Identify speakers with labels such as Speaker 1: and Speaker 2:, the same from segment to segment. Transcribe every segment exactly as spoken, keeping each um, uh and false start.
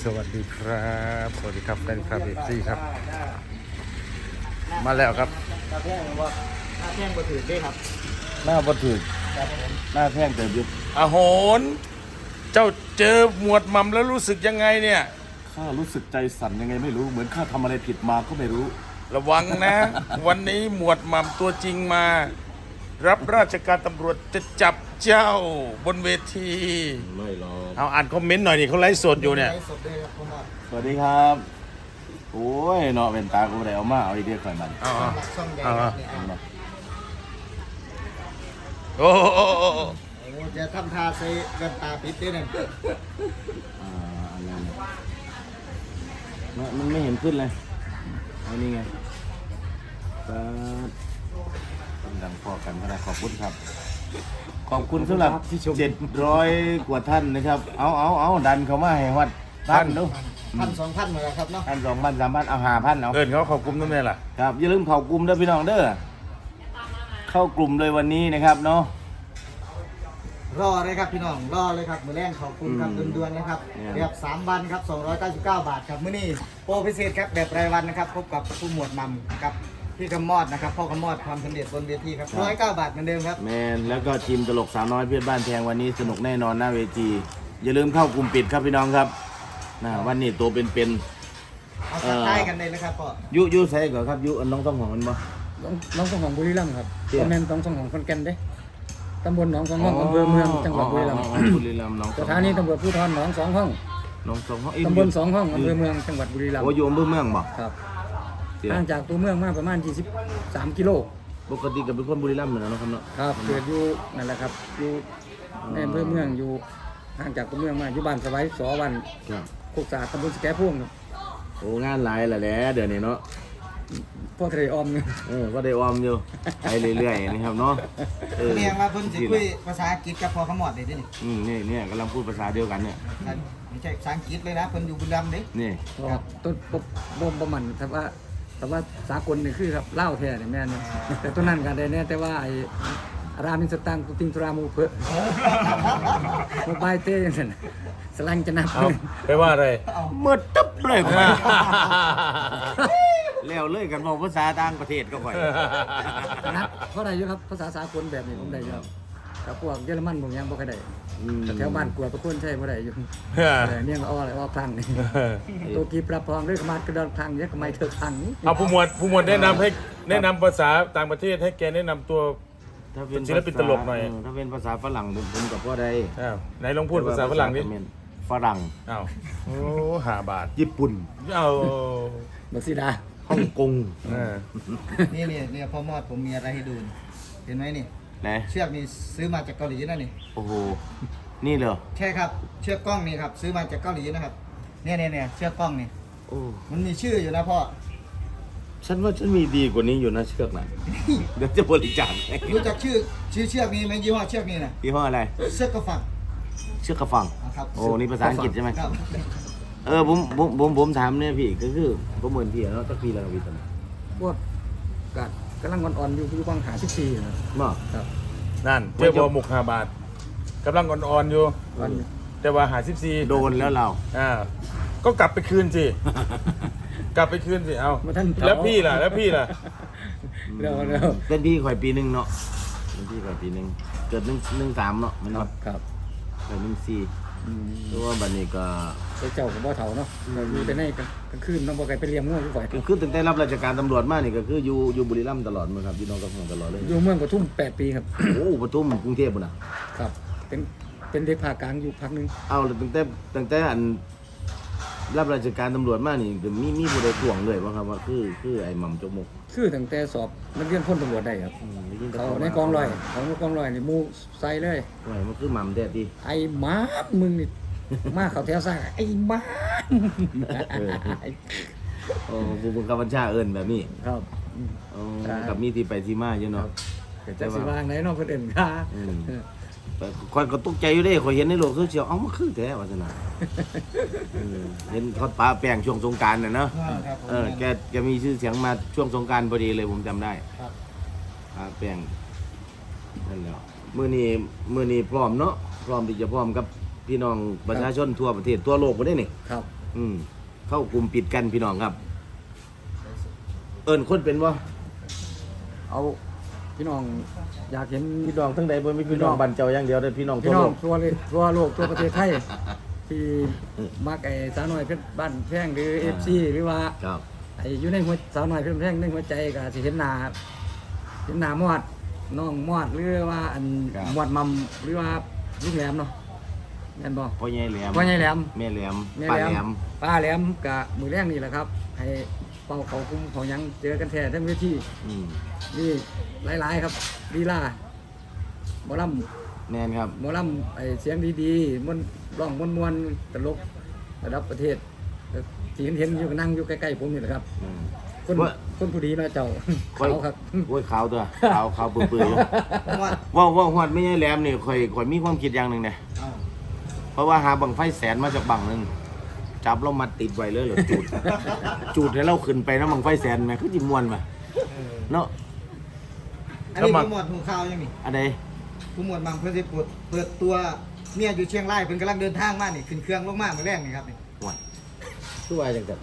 Speaker 1: สวัสดีครับสวัสดีครับแฟนคลับเอฟซีครับมาแล้วครับ
Speaker 2: หน้าแท่งว่าหน้าแท่งบ่ถือได้ครับ
Speaker 1: หน้าบัตรถึก
Speaker 2: ครับผม
Speaker 1: หน้าแท่งเติบอยู่อาโหนเจ้าเจอหมวดหม่ำแล้วรู้สึกยังไงเนี่ย
Speaker 3: ข้ารู้สึกใจสั่นยังไงไม่รู้เหมือนข้าทำอะไรผิดมาก็ไม่รู้
Speaker 1: ระวังนะ วันนี้หมวดหม่ำตัวจริงมา รับราชการตำรวจจะจับเจ้าบนเวที
Speaker 3: ไม่หรอก
Speaker 1: เอาอ่านคอมเมนต์หน่อยนี่เขาไลฟ์สดอยู่เนี่ย
Speaker 2: สดเลยครับผมว่า
Speaker 3: สวัสดีครับโอ้ยเนาะเป็นตากูได้เอามาเอาอีเดียข่อยมัน
Speaker 1: เอา
Speaker 2: หลักช่องใหญ่ครับเนี่ย
Speaker 1: โอ้โห
Speaker 2: โอ้จะทำท่าใส่กันตาปิดด้วยนั่น
Speaker 3: อ่าอะไรเนี่ยมันไม่เห็นขึ้นเลยอันนี้ไงก็ต้องดังพอกันก็ได้ขอบคุณครับขอบคุณสำหรับเจ็ดร้อยกว่าท่านนะครับเอาเอาเอาดันเขามาให้วัดท่านดู
Speaker 2: พันสองพันเหมือนกันครับเนาะ
Speaker 3: ท่านสองพันสามพันเอาห้าพันเอา
Speaker 1: เอินเขาเขากลุ่มนั่นไงล่ะ
Speaker 3: ครับอย่าลืมเข้ากลุ่มเด้อพี่น้องเด้อเข้ากลุ่มเลยวันนี้นะครับเนาะ
Speaker 2: รอเลยครับพี่น้องรอเลยครับมือแรงขอบคุณครับด่วนๆนะครับแบบสามวันครับสองร้อยเก้าสิบเก้าบาทครับมื้อนี้โปรพิเศษครับแบบรายวันนะครับพบกับผู้หมวดมัมกับพี่กำมอดนะครับพ่อกำมอดความสำเร็จบนเวทีครับร้อยเก้าบาทเหมือนเดิมครับ
Speaker 3: แมนแล้วก็ทีมตลกสาวน้อยเพื่อนบ้านแพงวันนี้สนุกแน่นอนหน้าเวทีอย่าลืมเข้ากลุ่มปิดครับพี่น้องครับนะวันนี้ตัวเป็นๆ
Speaker 2: เอาใต้กันเลยนะครับพ่อ
Speaker 3: ยุยุใส่ก่อนครับยุน้องต้องของมันบ่
Speaker 4: น้องน้องสองของบุรีรัมย์ครับคอมเมนต์น้องสองของคนแก่นเด้ตำบลหนองสองห้องอำเภอเมืองจังหวัดบุรีรัมย์
Speaker 3: บุรีรัมย์น้อง
Speaker 4: สถานีตำรวจภูธรหนองสองห้อง
Speaker 3: น้องสองห้อง
Speaker 4: ตำบลสองห้องอำเภอเมืองจังหวัดบุรีรัมย์
Speaker 3: โอ้ยอำเภอเมืองบ่
Speaker 4: ครับห่างจากตัวเมืองมาประมาณยี่สิบสามกิโล
Speaker 3: ปกติกับเป็นคนบุรีรัมย์เหมือนกันนะครับเนาะ
Speaker 4: ครับเกิดอยู่นั่นแหละครับอยู่ในอำเภอเมืองอยู่ห่างจากตัวเมืองมาอยู่บ้านสบายสอวันโคกสาตำบลสแกพุ่งครับ
Speaker 3: โอ้งานหลายแหละแหละเดี๋ยวนี้เนาะ
Speaker 4: พ่อทะเลออม
Speaker 3: เออก็ได้ออมอยู่ไปเรื่อยๆนะครับเนาะ
Speaker 2: เออเนี่ยว่าเพิ่นสิคุยภาษาอังกฤษกับพ่อขมอดได้ดิ
Speaker 3: อืมนี่เนี่ยกำลังพูดภาษาเดียวกันเนี่ย
Speaker 2: ไม่ใช่ภาษาอังกฤษเลยนะเพิ่นอยู่บุรีรัมย์เด้
Speaker 3: นี่
Speaker 4: ครับต้นบ่บ่มันแต่ว่าแต่ว่าสากลนี่คือครับเล่าแท้เนี่ยแม่นแต่ตัวนั้นกันได้เนี่ยแต่ว่าไอ้รามินสตังตุติงตรามูเพอโมบายเต้ยังไงสลังจะนับ
Speaker 1: ไปว่าอะไร
Speaker 3: เมื่อตึ๊บเลยไปแล้วเลยกันบอกภาษาต่างประเทศก็ค่อย
Speaker 4: นะเพราะอะไรอยู่ครับภาษาสากลแบบนี้ผมได้อยู่แต่พวกเยอรมันผมยังบ่เคยได้แต่แถวบ้านกลัวประคุณใช่บ่ได้อยู่เนี่ยก็อ้ออะไรอ้อพังนี่ตัวกีปรับพองด้วยขมากระดอนพังเนี่ยทำไมเธอพังนี่
Speaker 1: เอาผู้หมวดผู้หมวดแนะนำให้แนะนำภาษาต่างประเทศให้แกแนะนำตัว
Speaker 3: ถ้าเป็น
Speaker 1: ศิลปินตลกหน่อย
Speaker 3: ถ้าเป็นภาษาฝรั่งผมกับพ่อใด
Speaker 1: ไหนลองพูดภาษาฝรั่งดิ
Speaker 3: ฝรั่ง
Speaker 1: อ้าวโอ้หาบาท
Speaker 3: ญี่ปุ่น
Speaker 1: เอา
Speaker 4: บักซีดา
Speaker 3: ฮ่องกง
Speaker 2: นี่นี่นี่พ่อมอดผมมีอะไรให้ดูเห็นไหมนี่
Speaker 3: ไหน
Speaker 2: เชือกนี่ซื้อมาจากเกาหลีนะนี่
Speaker 3: โอ้โหนี่เหรอ
Speaker 2: ใช่ครับเชือกกล้องนี่ครับซื้อมาจากเกาหลีนะครับเนี่ยเนี่ยเนี่ยเชือกกล้องนี่
Speaker 3: โอ้
Speaker 2: มันมีชื่ออยู่นะพ่อ
Speaker 3: ฉันว่าฉันมีดีกว่านี้อยู่นะเชือกน่ะเดี๋ยวจะบริจาค
Speaker 2: รู้จักชื่อชื่อเชือกนี้ไหมยี่ห้อเชือกนี้นะ
Speaker 3: ยี่ห้ออะไร
Speaker 2: เชือกกระฝัง
Speaker 3: เชือกกระฝังโอ้นี่ภาษาอังกฤษใช่ไหม
Speaker 2: ครับ
Speaker 3: เออผมผมผมผมถามเนี่ยพี่ก็คือผมเหมือนพี่เนาะสักปีแล้วพี่ตอนนี้
Speaker 4: พวกกัดกำลังอ่อนๆอยู่อยู่บางหาสิบสี่
Speaker 3: มั้ง
Speaker 4: ครับ
Speaker 1: นั่นเจ้าบัวหมกห้าบาทกำลังอ่อนๆอยู่แต่ว่าหาสิบสี่
Speaker 3: โดนแล้วเรา
Speaker 1: อ่าก็กลับไปคืนสิกลับไปคืนสิเอาแล้วพี่ล่ะแล้วพี่ล่ะ
Speaker 4: เร็วเร็ว
Speaker 3: เป็นพี่ข่อยปีหนึ่งเนาะเป็นพี่ข่อยปีหนึ่งเกิดหนึ่งหนึ่งสามเนาะมันเนาะ
Speaker 4: ครับ
Speaker 3: ข่อยหนึ่งสี่ตัวบัดนี้ก็
Speaker 4: เจ้าของบ่อเถาเนาะอยู่แต่ในกลางคืนน้องบ่ไก่ไปเลี้ยงงูอยู่ฝ่าย
Speaker 3: คือตั้งแต่รับราชการตำรวจมานี่ก็คืออยู่อยู่บุรีรัมย์ตลอดมั้งครับอยู่น้องกับผมตลอดเลย
Speaker 4: อยู่เมืองปทุมแปดปีครับ
Speaker 3: โอ้ปทุมกรุงเทพฯน่ะ
Speaker 4: ครับเป็นเป็นเด็กภาคกลางอยู่พักนึง
Speaker 3: เอาตั้งแต่ตั้งแต่อันรับราชการตำรวจมานี่มีมีผู้ใดทวงเลยว่าครับว่าคือคือไอ้หม่ำจกมก
Speaker 4: คือตั้งแต่สอบนักเรียนพ้นตำรวจได้ครับเขาในกองร้อยเขาในกองร้อยนี่มูใส่เลย
Speaker 3: โอ้ยมันคือหม่ำแท้ดิ
Speaker 4: ไอ้หมามึงนี่มาเขาแถวซ่าไอ้หมา
Speaker 3: โอ้ผู้บังคับบัญชาเอิ้นแบบนี้
Speaker 4: ครับ
Speaker 3: อ๋อกับมีที่ไปที่มาอยู่เนาะ
Speaker 4: แต่สิว่าไหนเนาะเพิ่นเอิ้นค่ะ
Speaker 3: คอยก็ตกใจอยู่เด้คอยเห็นในโลกโซเชียลเอ้ามันคือแท้ว่าซั่นน่ะเห็นทอดปลาแป้งช่วงสงกรานต์น่ะเนาะเออแกแกมีชื่อเสียงมาช่วงสงกรานต์พอดีเลยผมจำได้
Speaker 2: ครับ
Speaker 3: ปลาแป้งนั่นแหละมื้อนี้มื้อนี้พร้อมเนาะพร้อมที่จะพร้อมกับพี่น้องประชาชนทั่วประเทศทั่วโลกบ่ได้นี่
Speaker 4: ครับ
Speaker 3: อืมเข้ากลุ่มปิดกันพี่น้องครับ เอิ้นคนเป็นบ่
Speaker 4: เอาพี่น้องอยากเห็น
Speaker 3: พี่น้องทั้งใดบ่มีพี่น้องบ้านเจ้าอย่างเดียวแต่พี่น้อง
Speaker 4: พี่
Speaker 3: ทั่ว
Speaker 4: น้อ
Speaker 3: โล
Speaker 4: ง
Speaker 3: ก
Speaker 4: ทั่วเลยทั่วโลกทั่วประเทศไทยที่มักไอ้สาวน้อยเพชรบ้านแพงหรือ เอฟ ซี หรือว่า
Speaker 3: ครับ
Speaker 4: ไอ้อยู่ในหัวสาวน้อยเพชรแพงในหัวใจก็สิเห็นหน้าเห็นหน้ามอดน้องมอดหรือว่าอันมอดมัมหรือว่าลุงแหลมเนาะแม่นบ่
Speaker 3: พ่อใหญ่แหลม
Speaker 4: พ่อใหญ่แหลม
Speaker 3: แม่แหลม
Speaker 4: แม่
Speaker 3: ป้า
Speaker 4: แหล
Speaker 3: แหล
Speaker 4: ม
Speaker 3: ม
Speaker 4: ป้าแหลมกับมือแรกนี่แหละครับ ให้เป่าเขาคุมเขาหยังเจอกันแท้ทั้งเวที
Speaker 3: อืม
Speaker 4: นี่หลายๆครับลีลาหมอล
Speaker 3: แม่นครับ
Speaker 4: ำหมอลำไอเสียงดีๆมันร้องมวนๆตลกระดับประเทศที่เห็นเห็นอยู่นั่งอยู่ใกล้ๆผมนี่แหละครับ
Speaker 3: อืม
Speaker 4: คน
Speaker 3: ว่า
Speaker 4: คนผู้ดีเนาะเจ้า
Speaker 3: ค่อย
Speaker 4: เขาครับ
Speaker 3: โอ้ยขาวตัวขาวขาวเปื่อยๆอยู่
Speaker 2: ผมว่า
Speaker 3: ว่าว่าฮอดไม่ใช่แหลมนี่ข่อยข่อยมีความคิดอย่างหนึ่งเนี่ย
Speaker 2: เอ้า
Speaker 3: เพราะว่าหาบังไฟแสนมาจากบังหนึงจับเรามาติดไว้เลยเหรอจูด จูดให้เราขึ้นไปนะบังไฟแสนแม่คือจิมวนมาเนาะ
Speaker 2: อันนี้ผู้หมวดหูข่าวยังนี่
Speaker 3: อันใด
Speaker 2: ผู้หมวดมังเพื่อจะเปิดเปิดตัวเมียอยู่เชียงรายเพิ่นกำลังเดินทางมานี่ขึ้นเครื่องลงมาเมื่อแรกนี่ครับนี่
Speaker 3: ว่าคือว่าจังซั่น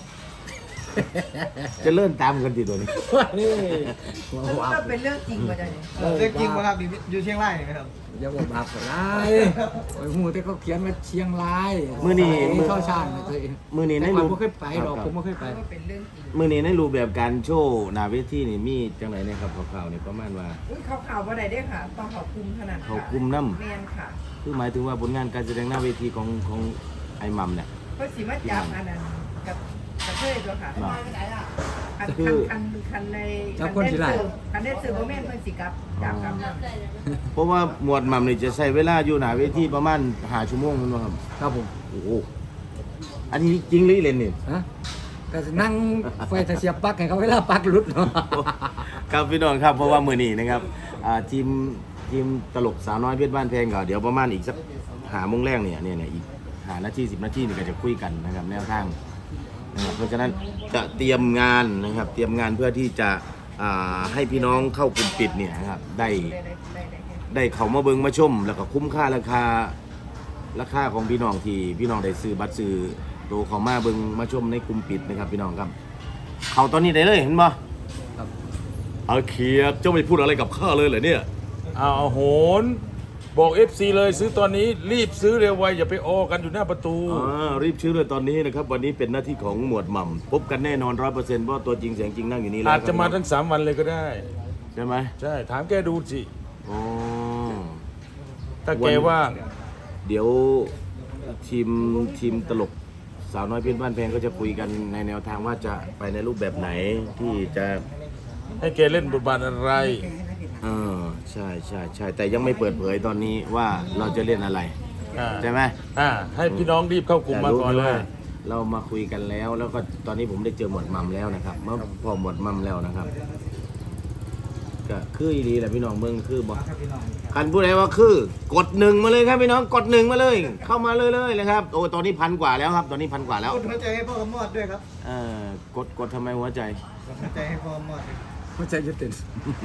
Speaker 3: จะเลื่อนตามกันติตัวนี้
Speaker 4: นี่
Speaker 5: ก็เป็นเรื่องจริงมาจากไหน
Speaker 2: เรื่องจริงบ่ครับนี่อยู่เชียงรายนี่ครับ
Speaker 4: อย่าบอกบาปก็ได้โอ้ยหูแต่เขาเขียนมาเชียงราย
Speaker 3: มื้อนี้
Speaker 4: นี่ช่อชาญนะตัวเอง
Speaker 3: มื้อนี้ใน
Speaker 4: แต่
Speaker 3: รู
Speaker 4: ก่อน
Speaker 3: ป
Speaker 4: ผมเคยไปดอกผมไม่เคยไป
Speaker 5: ก็เป็นเรื่องจริง
Speaker 3: มื้อนี้ในรูปแบบการโชว์หน้าเวทีนี่มีจังไดเนี่ยครับคร่าวๆนี่ประมาณว่า
Speaker 5: อุ้ยเขาข่าวว่าไหนได้ค่ะ ต้องขอบคุมขนาด
Speaker 3: เขาคุมนำ
Speaker 5: แมนค่ะ
Speaker 3: คือหมายถึงว่าผลงานการแสดงหน้าเวทีของของไอ้มัมเนี่ย
Speaker 5: เพราะสีมาจับอันนั้นกับกระเทยตัวค่ะ
Speaker 3: เนาะ
Speaker 5: คัน
Speaker 3: คื
Speaker 5: คั
Speaker 3: อ
Speaker 5: นคันคันใน
Speaker 4: จับคนสิไล่
Speaker 5: คันได้ซื้อโมเมนต์เพิ่นสิกับจับกับนั่น
Speaker 3: เพราะว่าหมวดมัมนี่จะใช้เวลาอยู่หน้าเวทีประมาณห้าชั่วโมงแมันบ่ครับ
Speaker 4: ครับผม
Speaker 3: โอ้โหอันนี้จริงหรือเล่นนี่
Speaker 4: ฮะก็สินั่งไฟเสียบปลั๊กให้เขาเวลาปลั๊กหลุดเนาะ
Speaker 3: ครับพี่น้องครับเพราะว่ามื้อนี้นะครับอ่าทีมทีมตลกสาวน้อยเพชรบ้านแพงก็เดี๋ยวประมาณอีกสักหาโมงแรกเนี่ยเนี่ยเนี่ยอีกหานาทีสิบนาทีนี่ก็จะคุยกันนะครับแนวทางนะครับเพราะฉะนั้นจะเตรียมงานนะครับเตรียมงานเพื่อที่จะอ่าให้พี่น้องเข้ากลุ่มปิดเนี่ยนะครับได้
Speaker 5: ได้ได้ได้ได้
Speaker 3: ได้เขามาเบิงมาชม แล้วก็คุ้มค่าราคาราคาของพี่น้องที่พี่น้องได้ซื้อบัตรซื้อตัวเขามาเบิงมาชมในกลุ่มปิดนะครับพี่น้องครับเขาตอนนี้ได้เลยเห็นบ่
Speaker 4: ครับ
Speaker 3: เอาเคียบเจ้าไม่พูดอะไรกับข้าเลยเหรอเนี่ย
Speaker 1: เอาโหนบอก เอฟ ซี เลยซื้อตอนนี้รีบซื้อเร็วไวอย่าไปออกันอยู่หน้าประตู
Speaker 3: อ่ารีบชื่อเลยตอนนี้นะครับวันนี้เป็นหน้าที่ของหมวดหม่ำพบกันแน่นอนร้อยเปอร์เซ็นต์เพราะตัวจริงเสียงจริงนั่งอยู่นี่แล้ว
Speaker 1: อาจจะมา
Speaker 3: ครั
Speaker 1: ทั้
Speaker 3: บ
Speaker 1: งสามวันเลยก็ได้
Speaker 3: ใช่ไหม
Speaker 1: ใช่ ถามแกดูสิ
Speaker 3: อ๋อ
Speaker 1: ถ้าแกว่าง
Speaker 3: เดี๋ยวทีมทีมตลกสาวน้อยเพี้ยนบ้านแพงก็จะคุยกันในแนวทางว่าจะไปในรูปแบบไหนที่จะ
Speaker 1: ให้แกเล่นบทบาทอะไร
Speaker 3: เออใช่ใช่ใช่แต่ยังไม่เปิดเผยตอนนี้ว่าเราจะเล่นอะไร
Speaker 1: อ่า
Speaker 3: ใช่ไหม
Speaker 1: อ่า ให้พี่น้องรีบเข้ากลุ่มมาก่อนเล
Speaker 3: แต่รู้ไหว่าย เรามาคุยกันแล้ว แล้วก็ตอนนี้ผมได้เจอหมวดมัมแล้วนะครับเมื่อพอหมวดมัมแล้วนะครับก็คืออีดีแหละพี่น้องเมืองคือบอก
Speaker 2: ครับพี่น้อง
Speaker 3: คันผู้ใดว่าคือกดหนึ่งมาเลยครับพี่น้องกดหนึ่งมาเลย เข้ามาเลยเลยนะครับโอ้ตอนนี้พันกว่าแล้วครับตอนนี้พันกว่าแล้ว
Speaker 2: กดหัวใจให้พ่อกำมอดด้วยครับ
Speaker 3: เออกดกดทำไมหัวใจ
Speaker 2: กดหัวใจให้พ่อกำมอดด้วย
Speaker 4: หัวใจจะเต้น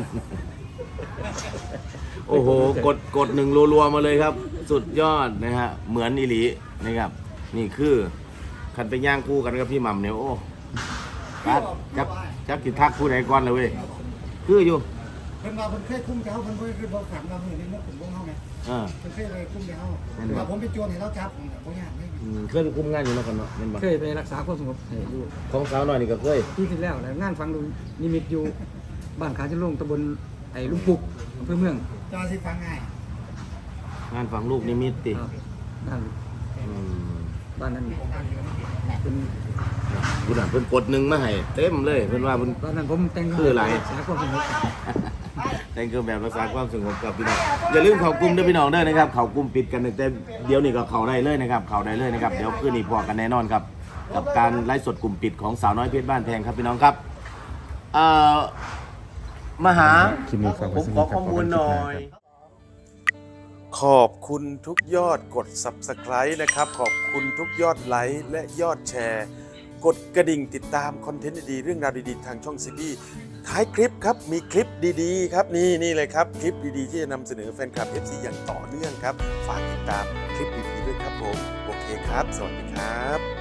Speaker 3: โอ้โหกดกดหนึ่งรัวๆมาเลยครับ สุดยอดนะฮะเหมือนอีหลีนะครับ นี่คือคันไปย่างคู่กันกับพี่หม่ำเนี่ยโอ้กัดจับจับติดทักผู้ใดก่อนเลยเว้ยคืออยู่
Speaker 2: เพิ่นว่าเพิ่นเคยคุ้มเจ้าเพิ่นบ่เคยบอกขังเราเพิ่นนี่เนาะผมบ่เฮาไง
Speaker 3: เออ
Speaker 2: เพิ่นเคยเลยคุ้มเจ้า
Speaker 3: นั่นบ่
Speaker 2: ว่าผมเป็นโจรให้เราจับผมก็บ่ยากเลย
Speaker 3: อืมเคยคุมงานอยู่แล้วกันเนาะแม่นบ่
Speaker 4: เคยไปรักษาความสงบให้อยู่
Speaker 3: ของสาวน้อยนี่ก็เคย
Speaker 4: ที่ที่แล้วแล้วงานฟังดูนิมิตอยู่บ้านขาจะลงตำบลไอ้ลุงปุกอำเภอเมือง
Speaker 2: จอสิฟังง่าย
Speaker 3: งานฝังลูกนิมิตติ
Speaker 4: ครับนั่น
Speaker 3: อืม
Speaker 4: บ้านนั้นเป็น
Speaker 3: คุณอ่ะเพิ่นกดหนึ่งมาให้เต็มเลยเพิ่นว่าเพิ่น
Speaker 4: บ้านนั้นผมแต่ง
Speaker 3: คืออะไร
Speaker 4: รักษาความสงบ
Speaker 3: แต่งเครื่องแบบรักษาความสงบกับพี่น้องอย่าลืมเข้ากลุ่มด้วยพี่น้องเด้อนะครับเข้ากลุ่มปิดกันตั้งแต่เดี๋ยวนี้ก็เข้าได้เลยนะครับเข้าได้เลยนะครับเดี๋ยวคืนนี้พอกันแน่นอนครับ กับการไลฟ์สดกลุ่มปิดของสาวน้อยเพชรบ้านแพงครับพี่น้องครับเอ่อมาหาผมขอข้อมูลหน่อย
Speaker 1: ขอบคุณทุกยอดกด ซับสไครบ์ นะครับ ขอบคุณทุกยอดไลค์และยอดแชร์ กดกระดิ่งติดตามคอนเทนต์ดีๆเรื่องราวดีๆ ทางช่องซีบีท้ายคลิปครับ มีคลิปดีๆ ครับ นี่นี่เลยครับ คลิปดีๆ ที่จะนำเสนอแฟนคลับ เอฟ ซี อย่างต่อเนื่องครับ ฝากติดตามคลิปดีๆด้วยครับผม โอเคครับ สวัสดีครับ